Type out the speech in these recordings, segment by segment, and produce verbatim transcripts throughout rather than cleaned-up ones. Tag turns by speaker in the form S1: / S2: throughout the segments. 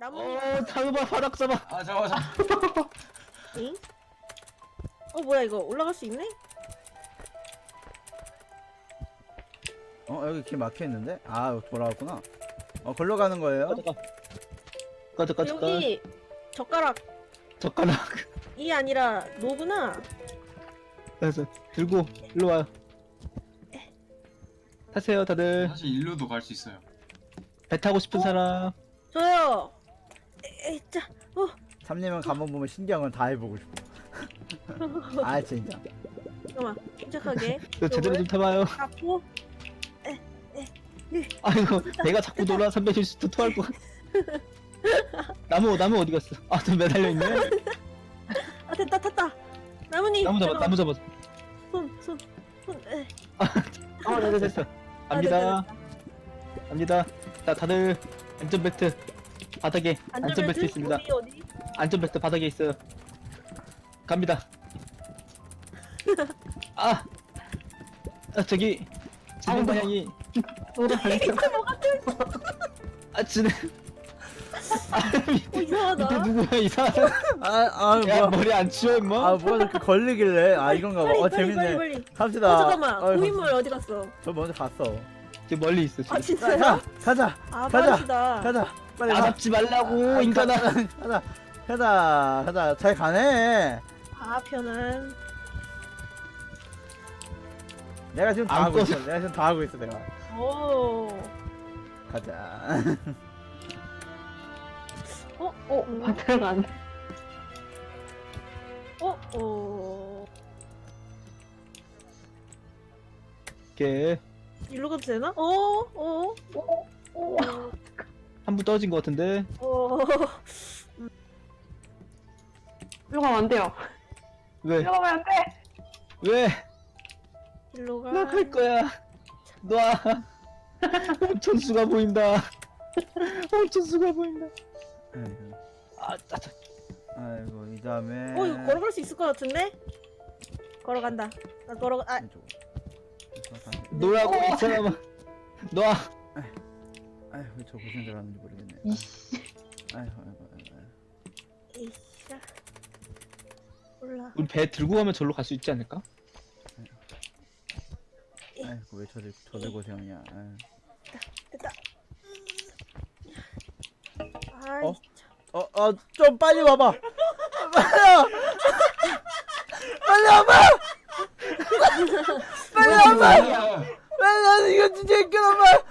S1: 나무.
S2: 어, 잡아, 바닥 잡아.
S3: 아 잠깐만 잠깐만.
S1: 응? 어 뭐야 이거 올라갈 수 있네?
S4: 어 여기 길 막혀 있는데? 아 돌아왔구나. 어 걸로 가는 거예요?
S2: 가져가. 가져가, 가져가.
S1: 여기 젓가락
S2: 젓가락.
S1: 이 아니라 노구나.
S2: 그래서 들고 일로 와요. 타세요, 다들.
S3: 사실 일로도 갈 수 있어요.
S2: 배 타고 싶은 사람.
S1: 저요. 에이 자. 어.
S4: 삼님은 가만 보면 신경을 다 해보고 싶어. 아 진짜.
S1: 잠깐만. 침착하게.
S2: 저 제대로 좀 타봐요.
S1: 잡고.
S2: 아이고, 내가 자꾸 놀아 삼백칠십 도 토할 것 같아. 나무, 나무 어디 갔어? 아, 저 매달려 있네.
S1: 아 됐다 탔다. 나무님.
S2: 나무 잡아, 나무 잡아.
S1: 손손 손. 에.
S2: 어, 네, 네, 됐어. 갑니다. 갑니다. 자, 다들 안전벨트 바닥에 안전벨트 있습니다.
S1: 어디 어디?
S2: 안전벨트 바닥에 있어요. 갑니다. 아, 아 저기 진행 방향이 아 진행. 아,
S1: 어
S2: 밑에
S1: 이상하다.
S2: 누구야 이상한.
S4: 아아
S2: 야
S4: 뭐야?
S2: 머리 안 치워 임마.
S4: 아 뭐가 이렇게 걸리길래? 아 이건가 봐.
S1: 빨리
S4: 어
S1: 빨리
S4: 재밌네.
S1: 빨리 빨리.
S4: 갑시다.
S1: 어 잠깐만.
S4: 어이,
S1: 고인물 어디 갔어?
S4: 저 먼저 갔어.
S2: 저 멀리 있어
S1: 아
S2: 지금.
S4: 자,
S1: 진짜요?
S4: 가, 가자.
S1: 아
S4: 가자.
S1: 빠르시다.
S4: 가자. 빨리
S2: 아
S4: 가.
S2: 잡지 말라고
S4: 아,
S2: 인간아.
S4: 가자. 가자. 가자. 가자. 잘 가네.
S1: 아 편안.
S4: 내가 지금 다
S2: 안
S4: 하고
S2: 꺼져.
S4: 있어. 내가 지금 다 하고 있어 내가.
S1: 오.
S4: 가자.
S1: 어?
S5: 어,
S1: 음.
S5: 바다가 안 돼.
S1: 어? 어.
S2: 이렇게
S1: 일로 가도 되나? 어? 어?
S5: 어, 어.
S2: 한 분 떨어진 것 같은데.
S1: 어.
S5: 일로 가면 안 돼요.
S2: 왜?
S5: 일로 가면 안 돼.
S2: 왜?
S1: 일로 가.
S2: 나 갈 거야. 놔. 천수가 보인다. 천수가 보인다.
S4: 아이고.
S2: 아, 짜짜.
S4: 아이고 이 다음에.
S1: 어 이거 걸어갈 수 있을 것 같은데? 걸어간다. 나 걸어가. 아.
S4: 왼쪽.
S2: 노라고 이 사람아. 놔.
S4: 아휴 왜저 고생 들어갔는지 모르겠네.
S5: 이씨.
S4: 아휴 아이고 아이고. 아이고.
S1: 이씨야. 올라.
S2: 우리 배 들고 가면 절로 갈 수 있지 않을까?
S4: 아이고 왜 저들 저들 고생하냐. 아유.
S1: 됐다. 아이.
S4: 어? 어, 어, 좀 빨리 와봐. 빨리 와. 빨리 와봐. 빨리 와봐.
S3: 아,
S4: 빨리 와. 이거 진짜 이끌어 봐.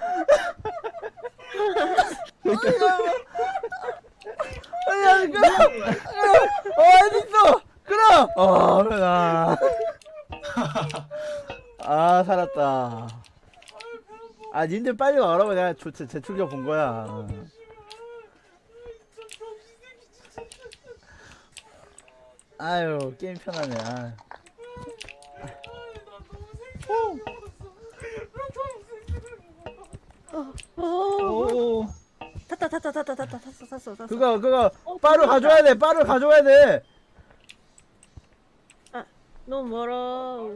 S4: 빨리 와봐. 빨리 와. 이끌어. 어, 어디 있어? 그럼. 어, 그래. 아, 살았다. 아, 님들 빨리 와라고 내가 조, 제, 제출겨 본 거야. 아유 게임 편하네. 아.
S1: 어.
S2: 오.
S1: 탔다 탔다 탔다 탔다 탔어 탔어 탔어.
S4: 그거 그거
S1: 어,
S4: 빠루
S1: 탔다.
S4: 가져와야 돼. 빠루 가져와야 돼.
S1: 너무 멀어.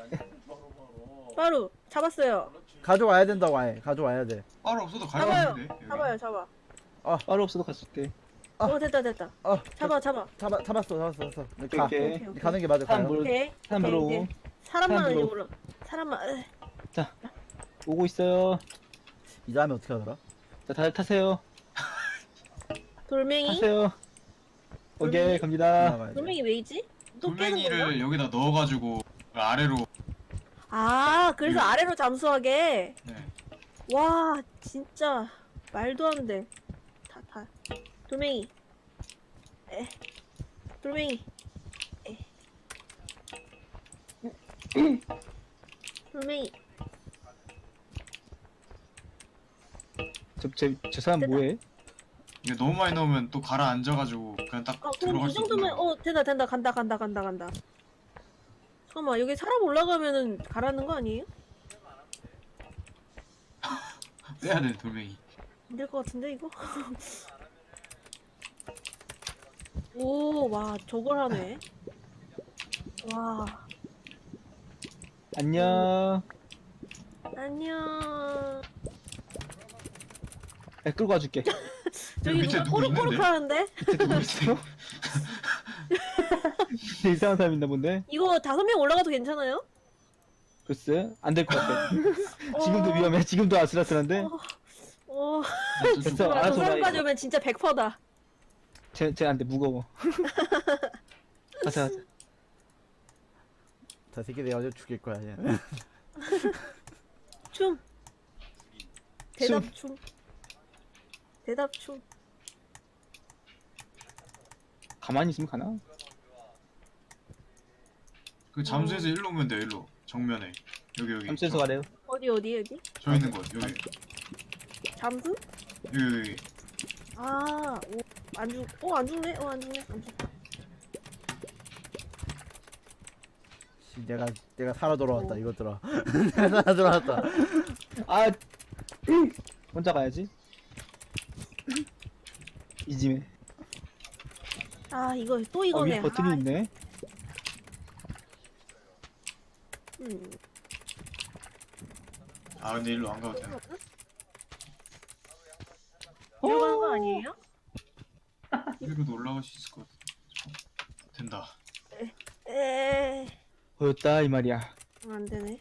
S1: 바로 잡았어요.
S4: 가져와야 된다고 아예. 가져와야 돼.
S3: 바로 없어도
S1: 잡아요.
S3: 가야겠는데. 여기.
S1: 잡아요 잡아.
S2: 바로 없어도 갔을 때.
S4: 아.
S1: 어 됐다 됐다.
S4: 어
S1: 잡아 잡아.
S4: 잡아 잡았어 잡았어 잡았어. 가.
S2: 오케이.
S1: 오케이, 오케이.
S4: 가는 게 맞을
S2: 사람
S4: 거야.
S2: 물어.
S1: 오케이.
S2: 사람
S1: 오케이,
S2: 물어오고.
S1: 이제 사람만
S2: 사람
S1: 이제
S2: 들어오고.
S1: 물어. 사람만. 으.
S2: 오고 있어요.
S4: 이 다음에 어떻게 하더라?
S2: 자, 다들 타세요.
S1: 돌멩이.
S2: 타세요. 오케이,
S1: 돌멩이?
S2: 갑니다.
S4: 나가야 돼.
S1: 돌멩이 왜이지? 또 깨는 건가?
S3: 돌멩이를 여기다 넣어가지고 아래로.
S1: 아 그래서
S3: 네.
S1: 아래로 잠수하게.
S3: 네.
S1: 와 진짜 말도 안 돼. 다 다. 돌멩이. 에. 돌멩이. 에. 돌멩이.
S2: 저, 저, 저 사람
S1: 됐다.
S2: 뭐해?
S3: 이게 너무 많이 넣으면 또 가라앉아가지고 그냥 딱
S1: 아 그럼
S3: 들어갈
S1: 이
S3: 수
S1: 정도면
S3: 있구나.
S1: 어 된다 된다 간다 간다 간다 간다. 잠깐만 여기 사람 올라가면은 가라는 거 아니에요?
S3: 빼야 돼 돌멩이.
S1: 안 될 것 같은데 이거? 오 와 저걸 하네. 와
S2: 안녕.
S1: 안녕.
S2: 야, 끌고 와줄게.
S1: 저기
S3: 밑에
S1: 누가
S3: 누구
S1: 꼬르꼬르
S3: 있는데?
S1: 하는데?
S3: 누구 있어?
S2: 이상한 사람 있나 본데?
S1: 이거 다섯 명 올라가도 괜찮아요?
S2: 글쎄 안 될 것 같아. 지금도
S1: 어,
S2: 위험해. 지금도 아슬아슬한데.
S1: 어,
S2: 됐어.
S1: 저
S2: 알아서
S1: 사람까지
S2: 가.
S1: 오면 진짜 백 퍼센트다.
S2: 쟤쟤 안돼 무거워. 가자 가자.
S4: 저 새끼 내가 어제 죽일 거야. 얘.
S1: 춤. 대답 춤. 대답 춤.
S2: 가만히 있으면 가나?
S3: 그 잠수해서 일로 오면 돼요. 일로 정면에 여기 여기.
S2: 잠수해서
S3: 저,
S2: 가래요.
S1: 어디 어디 어디?
S3: 저 있는 곳 여기
S1: 잠수?
S3: 여기 여기.
S1: 아, 오, 안 죽, 어, 안 죽네? 어, 안 죽네? 안 죽.
S4: 씨, 내가 내가 살아 돌아왔다 이것들아. 내가 살아 돌아왔다.
S2: 아 혼자 가야지. 이짐에.
S1: 아, 이거 또
S2: 어,
S1: 이거네.
S2: 위에 버튼이
S1: 아,
S2: 있네.
S1: 음.
S3: 아 근데 일로 안 가도 돼.
S1: 이러 가는 거 아니에요?
S3: 이리로도 올라갈 수 있을 것 같아. 된다.
S1: 에,
S2: 보였다 이 말이야.
S1: 안 되네.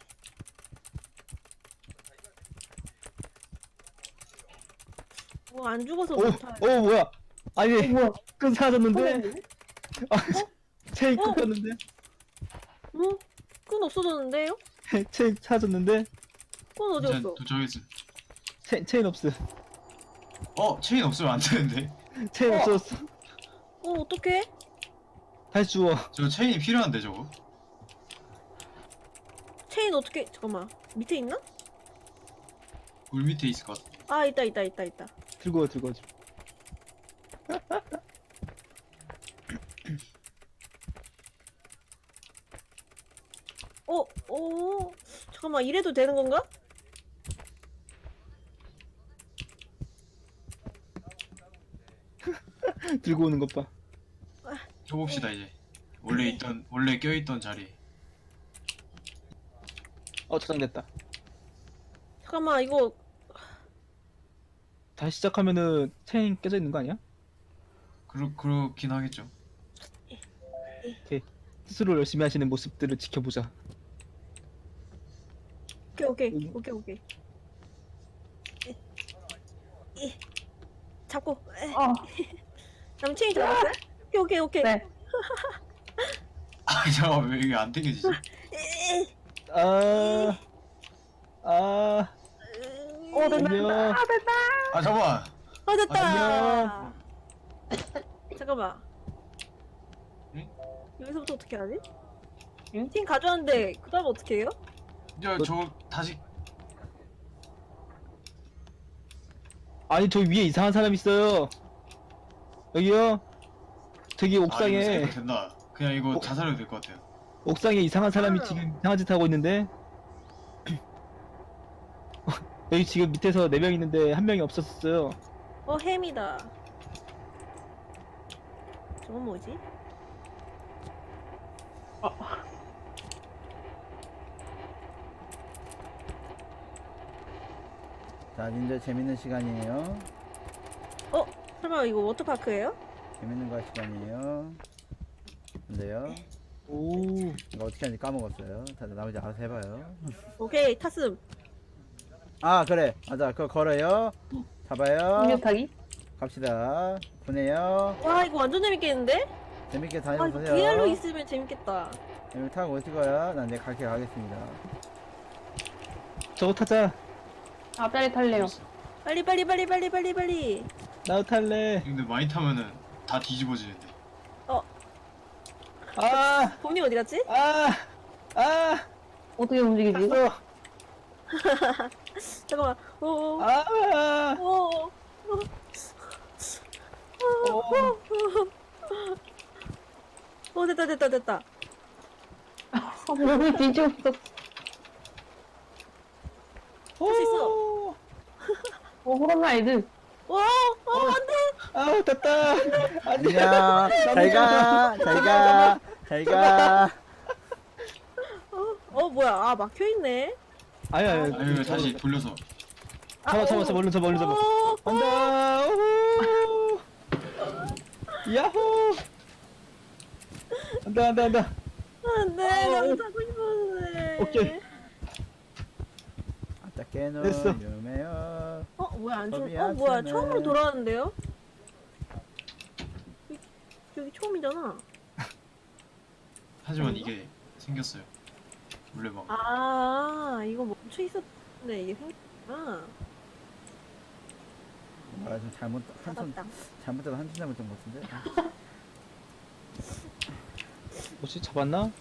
S1: 뭐 안 죽어서
S2: 오,
S1: 못하.
S2: 오 뭐야? 아니
S5: 뭐야?
S2: 끈 사라졌는데. 아, 체인
S1: 어?
S2: 끊겼는데.
S1: 뭐? 끈 없어졌는데요?
S2: 체인 사라졌는데.
S1: 끈 어디
S3: 이제
S1: 갔어?
S3: 도착했음.
S2: 체, 체인 없어.
S3: 어 체인 없으면 안 되는데.
S2: 체인
S1: 어.
S2: 없어졌어.
S1: 어, 어떡해?
S2: 다시 주워.
S3: 저 체인이 필요한데 저거.
S1: 체인 어떻게, 잠깐만. 밑에 있나?
S3: 물 밑에 있을 것 같아.
S1: 아, 있다, 있다, 있다, 있다.
S2: 들고 와 들고 와.
S1: 어, 어, 잠깐만, 이래도 되는 건가?
S2: 들고 오는 것 봐.
S3: 껴봅시다 이제. 원래 있던 원래 껴있던 자리.
S2: 어 저장됐다.
S1: 잠깐만, 이거,
S2: 다시 시작하면은 체인 깨져 있는 거 아니야?
S3: 그러 그렇긴 하겠죠.
S2: 스스로 열심히 하시는 모습들을 지켜보자.
S1: 오케이, 오케이,
S2: 여기?
S1: 오케이, 오케이. 이, 이, 잡고, 에,
S5: 어,
S1: 남 체인 잡았어요? 오케이, 오케이, 오케이.
S5: 네.
S3: 아 잠깐 왜 이게 안 당겨지지?
S1: 에,
S2: 아, 아,
S1: 에,
S5: 어, 된다.
S2: 안녕.
S5: 아, 됐다.
S3: 아 잠깐.
S1: 아, 됐다.
S2: 안녕.
S1: 잠깐만.
S3: 응?
S1: 여기서부터 어떻게 하지?
S5: 응?
S1: 팀 가져왔는데 그 다음 어떻게 해요?
S3: 야 저 다시.
S2: 아니 저 위에 이상한 사람 있어요. 여기요. 저기
S3: 아 이거
S2: 옥상에
S3: 세이브 된다. 그냥 이거
S2: 어?
S3: 자살해도 될 것 같아요.
S2: 옥상에 이상한 사람이
S1: 아.
S2: 지금 이상한 짓 하고 있는데. 여기 지금 밑에서 네 명 있는데 한 명이 없었어요.
S1: 어, 햄이다. 저건 뭐지?
S4: 자, 님들 재밌는 시간이에요.
S1: 어? 설마 이거 워터파크예요?
S4: 재밌는 거 할 시간이에요. 근데요,
S2: 오,
S4: 이거 어떻게 하는지 까먹었어요. 다들 나머지 알아서 해봐요.
S1: 오케이, 탔음.
S4: 아, 그래. 맞아. 그거 걸어요. 잡아요.
S5: 음료 타기?
S4: 갑시다. 보내요.
S1: 와, 이거 완전 재밌겠는데?
S4: 재밌게
S1: 아, 이거
S4: 다녀보세요.
S1: 브이알로 있으면 재밌겠다.
S4: 여기 타고 오실 거야. 난 내 갈게 가겠습니다.
S2: 저거 타자.
S5: 앞자리 탈래요.
S1: 빨리, 빨리, 빨리, 빨리, 빨리, 빨리.
S2: 나도 탈래.
S3: 근데 많이 타면은 다 뒤집어지는데.
S2: 아,
S1: 봄이 어디 갔지?
S2: 아, 아,
S5: 어떻게 움직이지?
S2: 탔어.
S1: 잠깐만. 오,
S2: 아,
S1: 오,
S2: 오.
S1: 오, 됐다, 됐다, 됐다.
S5: 아, 몸이 뒤집었어.
S1: 할 수 있어.
S2: 오.
S5: 어, 호랑라이드.
S1: 와, 어, 안 돼.
S2: 아, 됐다. 안녕.
S4: 안녕. 잘 가. 잘 가. 잘 가.
S1: 어, 어, 뭐야. 아, 막혀있네.
S2: 아니 아니.
S3: 아니 이거 다시 돌려서.
S2: 잡아 잡아 잡아 얼른 잡아 얼른 잡아.
S1: 어,
S2: 간다. 우후. 야호! 안돼 안돼 안돼.
S1: 안돼
S2: 어,
S1: 나도 타고 싶었는데.
S2: 오케이.
S4: 아따 깨노
S2: 됐어.
S4: 유메요.
S1: 어 뭐야 안 좀?
S4: 법이
S1: 어 뭐야
S4: 아프네.
S1: 처음으로 돌아왔는데요? 여기, 여기 처음이잖아.
S3: 하지만 이게 생겼어요. 물레방.
S1: 아 이거 멈춰 있었네 이게 생겼구나.
S4: 아, 좀 잘못 한손
S1: 잡았다.
S4: 잘못해서 한손 잘못한 것 같은데. 아,
S2: 뭐지 잡았나?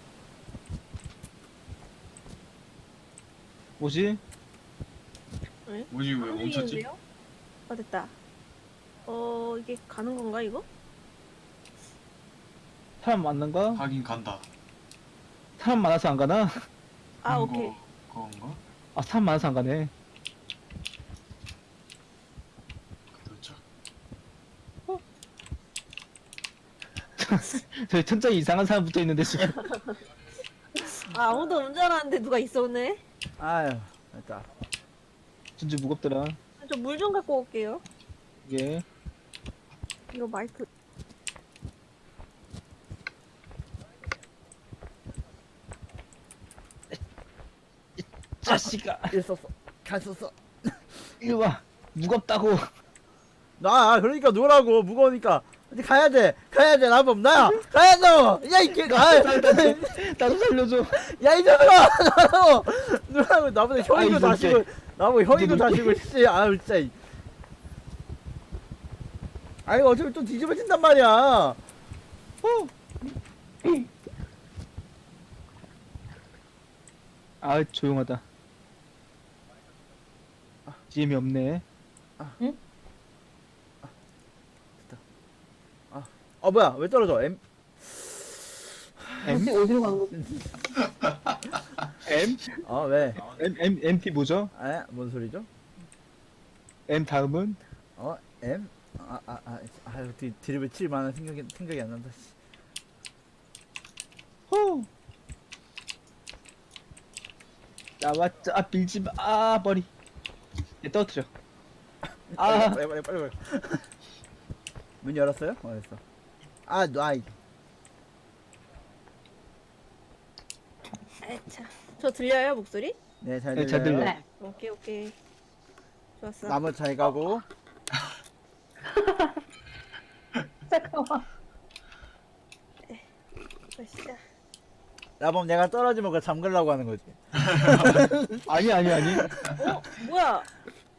S2: 뭐지?
S3: 뭐지 왜 멈췄지?
S1: 움직이는데요? 아 됐다. 어 이게 가는 건가 이거?
S2: 사람 많는가?
S3: 가긴 간다.
S2: 사람 많아서 안 가나?
S1: 아
S3: 그런
S1: 오케이.
S3: 거, 그건가?
S2: 아 사람 많아서 안 가네.
S3: 도착.
S2: 저기 천장에 이상한 사람 붙어 있는데 지금.
S1: 아 아무도 없는 줄 알았는데 누가 있었네.
S4: 아유 됐다.
S2: 진짜 무겁더라.
S1: 저 물 좀 갖고 올게요.
S2: 이게
S1: 이거 마이크.
S2: 자식아
S4: 있었어. 갔었어.
S2: 이거 봐 무겁다고.
S4: 나 그러니까 노라고 무거우니까. 이제 가야 돼. 가야 돼. 나범 나야. 가야 돼. 야이 개가.
S2: 나도 살려줘.
S4: 야 이놈아. 나라고. 노라고 나보다 형이고
S2: 아이,
S4: 다시고 나보고 형이고
S2: 이제
S4: 다시고 씨. 아유 진짜. 이. 아니 어차피 또 뒤집어진단 말이야. 어.
S2: 아 조용하다. 지엠이 없네.
S4: 어 뭐야 왜 떨어져? M
S2: M
S5: 어디 어디로 가는 거지?
S2: M
S4: 어 왜?
S2: M M MT 뭐죠?
S4: 에? 뭔 소리죠?
S2: M 다음은
S4: 어 M? 아아아 아, 아, 아, 디, 드립을 칠 만한 생각이 생각이 안 난다. 씨.
S2: 호. 나왔자 아 빌지 마. 아 머리. 얘 떨어뜨려. 아
S4: 빨리 빨리 빨리 빨리. 문 열었어요? 어 됐어. 아 놔이.
S1: 아차. 저 들려요 목소리?
S4: 네잘
S2: 네,
S4: 들려요.
S2: 잘 들려.
S5: 네.
S1: 오케이 오케이. 좋았어.
S4: 나무 잘 가고.
S5: 잠깐만.
S1: 맛있다.
S4: 나범 내가 떨어지면 그거 잠글라고 하는 거지.
S2: 아니 아니 아니.
S1: 어 뭐야? 어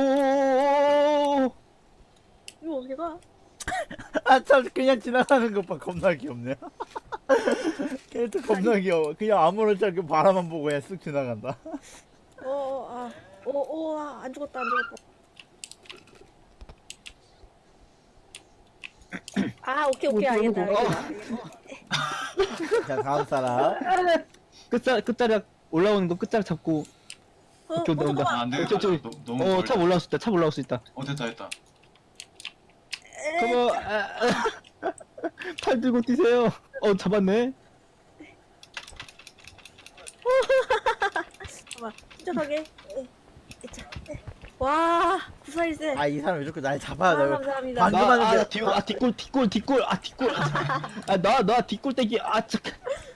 S2: 오.
S1: 이거 어떻게 가?
S4: 아 참 그냥 지나가는 것 봐 겁나 귀엽네. 캐릭터 겁나 귀여워. 그냥 아무렇지 않게 바라만 보고 그냥 쓱 지나간다.
S1: 어아오오안 죽었다 안 죽었다. 아 오케이 오케이 알겠다 알겠다.
S4: 자 다음 사람.
S2: 끝자 끝자락 올라오는 거 끝자락 잡고.
S1: 어,
S2: 오케이,
S1: 어
S2: 온다, 온다.
S1: 잠깐만.
S3: 아, 안 되겠다.
S2: 저기, 저기.
S3: 너, 너무
S2: 어
S3: 멀다.
S2: 차 올라올 수 있다. 차 올라올 수 있다.
S3: 어 됐다 됐다.
S2: 그거 아, 아, 팔 들고 뛰세요. 어 잡았네.
S1: 잠깐만 침착하게. 에, 에차, 에. 와 구사일세.
S4: 아 이 사람 왜 자꾸 날 잡아?
S1: 아,
S4: 나
S1: 감사합니다.
S4: 방금
S2: 나,
S4: 하는데-
S2: 아, 뒤, 아, 뒷골, 뒷골, 뒷골, 아, 뒷골. 아, 나, 나, 뒷골 떼기, 아, 잠깐.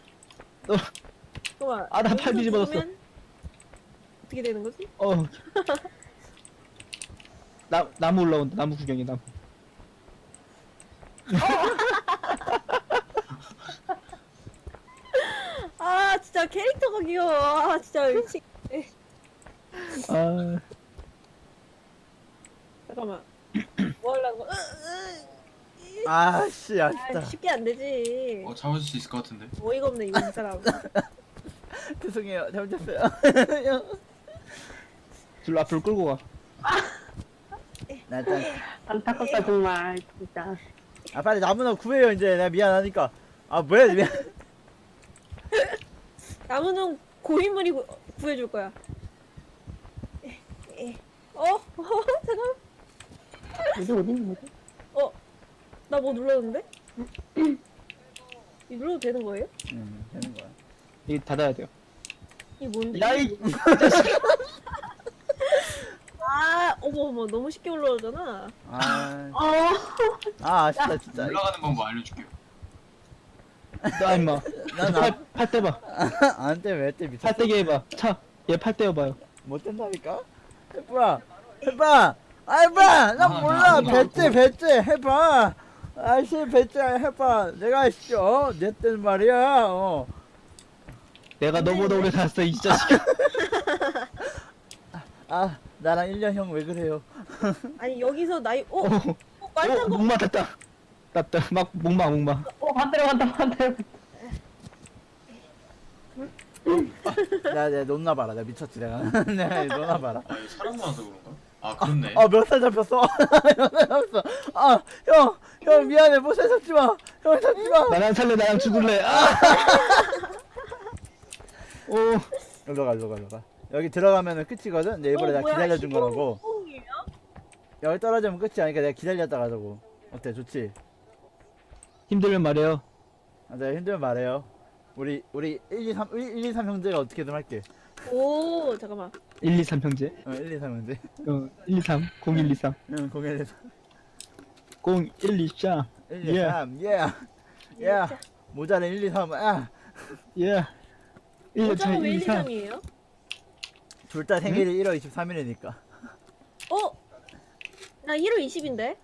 S1: 잠깐만.
S2: 아, 나팔
S1: 여기서
S2: 뒤집어졌어.
S1: 죽으면 어떻게 되는 거지?
S2: 어. 나, 나무 올라온다, 나무 구경이, 나무.
S1: 아 진짜 캐릭터가 귀여워. 아 진짜 미치.
S2: 아,
S1: 잠깐만. 뭐 하려고? 으, 으,
S4: 아씨
S1: 아
S4: 아쉽다.
S1: 쉽게 안 되지.
S3: 어 잡을 수 있을 것 같은데.
S1: 어이가 없네 이거 이 사람.
S4: 죄송해요 잘못했어요.
S2: 둘 앞으로 끌고 가.
S4: 나 일단
S5: 안타깝다 정말 진짜.
S4: 아 빨리 나무나 구해요 이제 내가 미안하니까. 아 뭐야 미안.
S1: 나무는 고인물이 구, 구해줄 거야. 에, 에. 어? 어? 잠깐.
S5: 어디 어디 있는 거지?
S1: 어? 나 뭐 눌렀는데? 이 눌러도 되는 거예요?
S4: 음 되는 거야.
S2: 이게 닫아야 돼요.
S1: 이게 뭔데?
S2: 야이!
S1: 아, 어머 어머 너무 쉽게 올라오잖아.
S4: 아,
S5: 어.
S4: 아 아쉽다 진짜.
S3: 올라가는 방법 알려줄게요.
S2: 나 임마.
S4: 난
S2: 팔, 팔 떼봐.
S4: 안돼 왜때 미쳤어?
S2: 팔 떼게 해봐. 차. 얘 팔 떼어봐요.
S4: 못 된다니까? 해봐 해봐 아 해봐 난
S3: 아,
S4: 몰라
S3: 나 아무도
S4: 배째 배째 해봐 아씨 배째 해봐 내가 씨, 어? 내 때는 말이야 어.
S2: 내가 너보다 오래 살았어 이 자식아.
S4: 아 나랑 일 년 형 왜 그래요?
S1: 아니 여기서 나이 어,
S2: 어,
S1: 어
S2: 어,
S1: 빨간 거.
S2: 목 맞았다. 났다. 막 목마 목마.
S5: 어, 반대로 간다, 반대로.
S4: 내가 내가 논나 봐라 내가 미쳤지 내가 내가 논나 봐라
S3: 아 이거 사람 많아서 그런가? 아 그렇네.
S4: 어 몇 살 잡혔어? 몇 살 잡혔어? 아형 형 미안해 못살 잡지마 형 잡지마
S2: 나랑 살래 나랑 죽을래. 아. 오.
S4: 일로 가 일로 가 일로 가 여기 들어가면은 끝이거든 내 일부러
S1: 어,
S4: 내가
S1: 뭐야,
S4: 기다려준
S1: 시공-
S4: 거라고
S1: 시공이에요?
S4: 여기 떨어지면 끝이 아니까 내가 기다렸다 가자고 어때 좋지?
S2: 힘들면 말해요.
S4: 아, 내가 힘들면 말해요. 우리 우리 일, 이, 삼 일, 이, 삼 형제가 어떻게든 할게.
S1: 오 잠깐만.
S2: 일, 이, 삼 형제.
S4: 어, 일, 이, 삼 형제.
S2: 어, 일, 이, 삼. 공, 일, 이, 삼.
S4: 응, 공일,
S2: 공, 일, 이, 삼.
S4: 일, 이, 삼. 예. 예. 모자는 일, 이, 삼. 아.
S2: 예. 일, 이,
S1: 어쩌면
S2: 삼,
S1: 왜
S2: 일, 이, 삼.
S1: 일, 이, 삼이에요?
S4: 둘 다 생일이 일월 이십삼일이니까.
S1: 어? 나 일월 이십인데?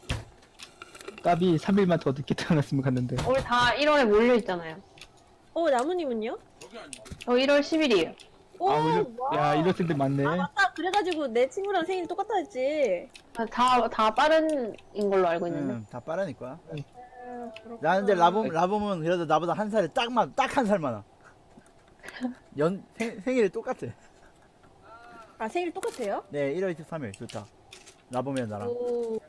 S2: 까비 삼 일만 더 늦게 태어났으면 갔는데.
S5: 우리 다 일월에 몰려있잖아요.
S1: 어 나무님은요?
S5: 저 일월 십일이에요.
S1: 오,
S2: 아, 이럴,
S1: 와.
S2: 야, 이럴 때 많네.
S1: 아 맞다. 그래가지고 내 친구랑 생일 똑같다 했지.
S5: 다, 다 빠른인 걸로 알고 있는데.
S4: 응, 다 빠르니까.
S1: 아, 그렇구나.
S4: 나 근데 라봄 라봄은 그래도 나보다 한 살이 딱만 딱 한 살 많아. 연 생, 생일이 똑같아.
S1: 아 생일 똑같아요?
S4: 네, 일월 이십삼일 좋다. 라봄이랑 나랑.
S1: 오.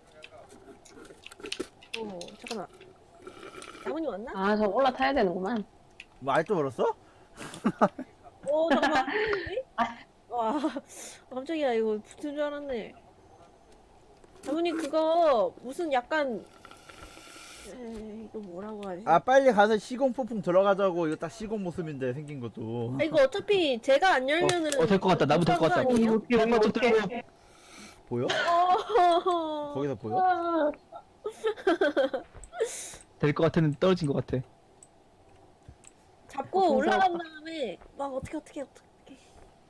S1: 오 잠깐만. 나무님 왔나?
S5: 아, 저 올라타야 되는구만.
S4: 뭐 알도 벌었어?
S1: 오 잠깐만. 와 깜짝이야 이거 붙은 줄 알았네. 나무님 그거 무슨 약간 에, 이거 뭐라고 하지?
S4: 아 빨리 가서 시공 폭풍 들어가자고. 이거 딱 시공 모습인데 생긴 것도.
S1: 아, 이거 어차피 제가 안 열면은
S2: 어, 될 것 같다. 나무 될것 같다.
S1: 아니에요?
S2: 한번 좀 들고.
S4: 보여?
S1: 어...
S4: 거기서 보여?
S5: 아,
S2: 될 것 같았는데 떨어진 것 같아.
S1: 잡고
S5: 어,
S1: 올라간
S5: 무서워.
S1: 다음에 막 어떻게 어떻게 어떻게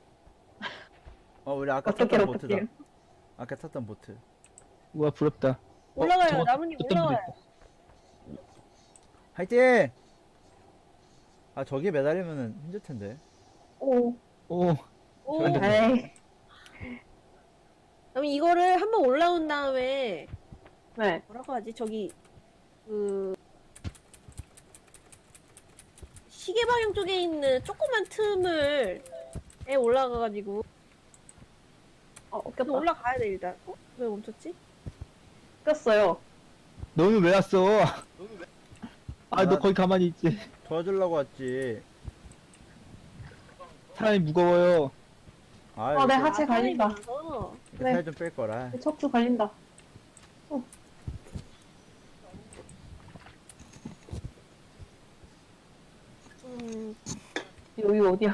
S4: 어 우리 아까
S5: 어떻게,
S4: 탔던 보트다.
S5: 어떻게.
S4: 아까 탔던 보트.
S2: 우와, 부럽다. 어,
S1: 올라가요.
S2: 저거
S1: 나무님
S2: 어떤 분이
S1: 올라가요.
S2: 있다.
S4: 화이팅! 아 저기 매달리면은 힘들 텐데.
S5: 오.
S2: 오,
S1: 오.
S2: 안 돼.
S5: 에이.
S1: 그럼 이거를 한번 올라온 다음에
S5: 네.
S1: 뭐라고 하지? 저기 그 시계 방향 쪽에 있는 조그만 틈을 에 올라가가지고
S5: 어,
S1: 또
S5: 꼈다.
S1: 올라가야 돼 일단. 어? 왜 멈췄지?
S5: 꼈어요.
S2: 너는 왜 왔어? 아, 너 거기 가만히 있지.
S4: 도와주려고 왔지.
S2: 사람이 무거워요.
S4: 아,
S5: 어, 내
S4: 이렇게-
S5: 하체 갈린다.
S1: 많아서.
S4: 이렇게
S5: 네.
S4: 살 좀 뺄 거라.
S5: 내 척추 갈린다.
S1: 음,
S5: 여기 어디야?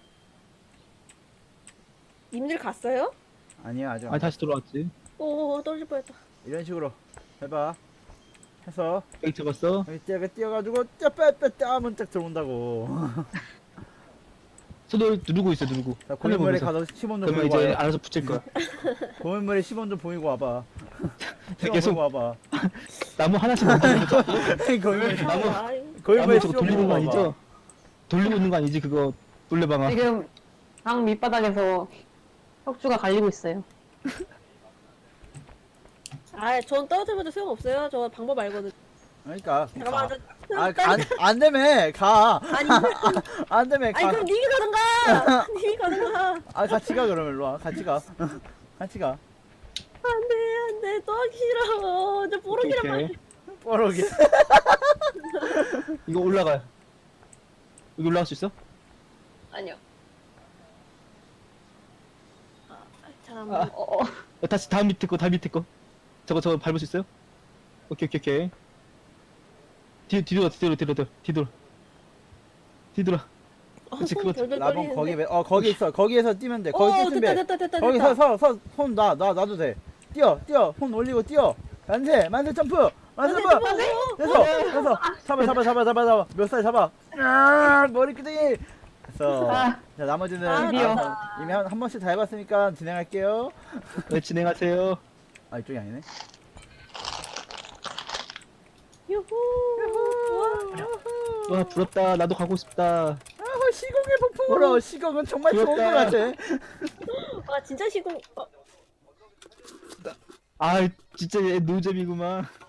S1: 님들 갔어요?
S4: 아니야 아직.
S2: 아,
S4: 안
S2: 다시 돌아왔지.
S1: 오 떨어질 뻔했다.
S4: 이런 식으로 해봐. 해서
S2: 여기 잡았어.
S4: 여기 뛰어가 뛰어가지고 짜빼빼 하면 딱 들어온다고.
S2: 손을 누르고 있어, 누르고.
S4: 자
S2: 하늘
S4: 고인물에
S2: 보면서.
S4: 가서 십 원 좀
S2: 그러면
S4: 보이고
S2: 이제
S4: 와요.
S2: 알아서 붙일 거야.
S4: 고인물에 십 원 좀 보이고 와봐. 십 원
S2: 계속
S4: 보이고 와봐.
S2: 나무 하나씩 만드는 거.
S4: 고인물에
S2: 나무-
S1: 아유,
S4: 고인물에
S2: 나무
S4: 십
S2: 저거
S4: 원
S2: 돌리는
S4: 보이고
S2: 거
S4: 와봐.
S2: 아니죠? 돌리고 있는 거 아니지, 그거. 놀래방아.
S5: 지금 방 밑바닥에서 척추가 갈리고 있어요.
S1: 아, 전 떨어져봐도 소용없어요. 저 방법 알거든.
S4: 그러니까
S1: 잠깐만,
S4: 가.
S1: 저,
S4: 아, 안, 안 되면 가.
S1: 아니,
S4: 안 되면
S1: 아니
S4: 가.
S1: 그럼 님이 가든가. 님이 가든가.
S4: 아 같이 가 그러면 일로 와. 같이 가. 같이 가.
S1: 안돼, 안돼, 또 하기 싫어. 저 뽀록이란
S2: 오케이.
S1: 말.
S4: 뽀록이.
S2: 이거 올라가요. 여기 올라갈 수 있어?
S5: 아니요.
S1: 참.
S2: 아.
S5: 어, 어.
S2: 어, 다시 다음 밑에 거, 다음 밑에 거. 저거, 저거 밟을 수 있어요? 오케이, 오케이, 오케이. 뒤, 뒤돌아, 뒤돌아, 뒤돌아, 뒤돌아. 뒤돌아. 그치, 그거
S4: 라봉 거기 매- 어 거기 있어. 거기에서 뛰면 돼. 거기
S1: 어
S4: 뛸
S1: 됐다
S4: 준비.
S1: 됐다 됐다
S4: 거기
S1: 됐다.
S4: 서서서손놔 놔 놔도 돼. 뛰어 뛰어 손 올리고 뛰어. 만세 만세 점프 만세
S1: 만세
S4: 점프.
S1: 점프!
S4: 됐어 됐어. 잡아 잡아 잡아 잡아 잡아. 몇 살 잡아. 아, 머리 끄댕이. 됐어.
S5: 아.
S4: 자 나머지는
S1: 아,
S5: 드디어.
S4: 아, 이미 한, 한 번씩 다 해봤으니까 진행할게요.
S2: 네, 진행하세요.
S4: 아 이쪽이 아니네.
S1: 유후. 우와.
S2: 와, 부럽다. 나도 가고 싶다.
S4: 아 시공의 폭풍. 보러 시공은 정말 좋은 것
S2: 귀엽다.
S4: 같아.
S1: 아 진짜 시공. 어,
S2: 아, 진짜 얘 노잼이구만.